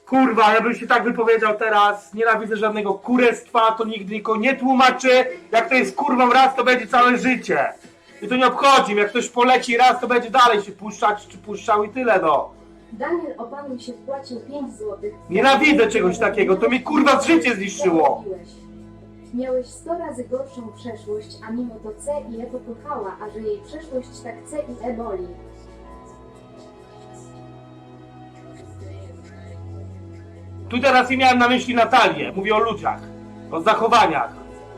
Kurwa, ja bym się tak wypowiedział teraz, nienawidzę żadnego kurestwa, to nigdy nikogo nie tłumaczy, jak to jest kurwą raz, to będzie całe życie. I to nie obchodzi mnie, jak ktoś poleci raz, to będzie dalej się puszczać, czy puszczał i tyle, no. Daniel, opanuj się, wpłacił 5 złotych. Nienawidzę czegoś takiego, to mi kurwa życie zniszczyło. Miałeś 100 razy gorszą przeszłość, a mimo to C i E pokochała, a że jej przeszłość tak C i E boli. Tu teraz nie miałem na myśli Natalię, mówię o ludziach, o zachowaniach.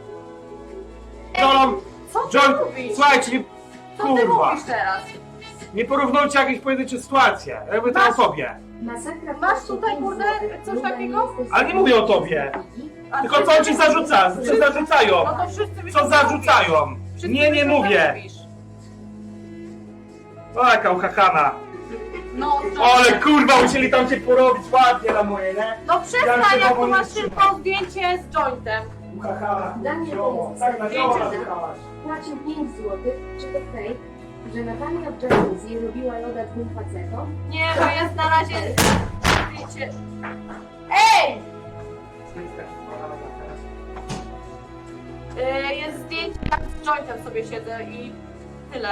Co ty John, mówisz? słuchajcie, nie, Co ty kurwa, mówisz teraz? nie porównujcie jakieś pojedyncze sytuacje, ja mówię to o sobie. Masakra. Masz tutaj, kurde, coś takiego? Ale nie mówię o tobie. A Tylko co ci zarzuca? Co zarzucają? No to wszyscy mi Co to zarzucają? mówisz. Wszyscy Nie, mi nie to mówię. mówisz. O, jaka uchachana. No, Ale kurwa, musieli tam cię porobić ładnie na moje, nie? no Ja się przestań, jak tu powoli masz trzymam. tylko zdjęcie z jointem. Uchachana, Daniel, zioło, to tak jest na zioło zdjęcie, nazywałaś. Płacił 5 złotych, czy to fake, że Natalia w jacuzzi robiła loda dwóm facetom? Nie, to jest na razie zdjęcie. Ej! Jest zdjęcie, jak z jointem sobie siedzę i tyle.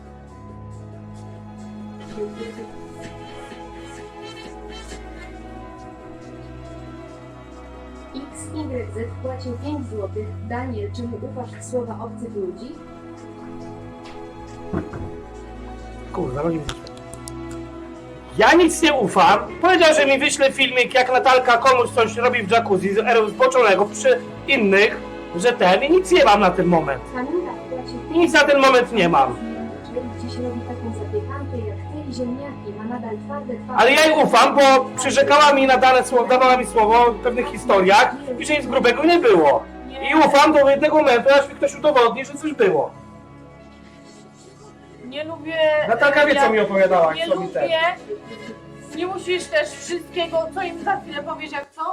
XYZ płacił 5 złotych. Daniel, czy mu ufasz w słowa obcych ludzi? Kurwa, no nie wyszło. Ja nic nie ufam. Powiedział, że mi wyśle filmik, jak Natalka komuś coś robi w jacuzzi zboczonego przy innych, że ten i nic nie mam na ten moment. Kamila płacił Nic na ten moment nie mam. Czy dziś robi taką zapiekankę jak ty i ziemniaki, ma nadal twarde twarze. Ale ja jej ufam, bo przyrzekała mi na dane słowo, dawała mi słowo w pewnych historiach i że nic grubego nie było. I ufam do jednego momentu, aż mi ktoś udowodni, że coś było. Nie lubię... Natalka wie, co mi opowiadała, Nie co mi ten. lubię... Nie musisz też wszystkiego, co im za chwilę powiesz, jak co?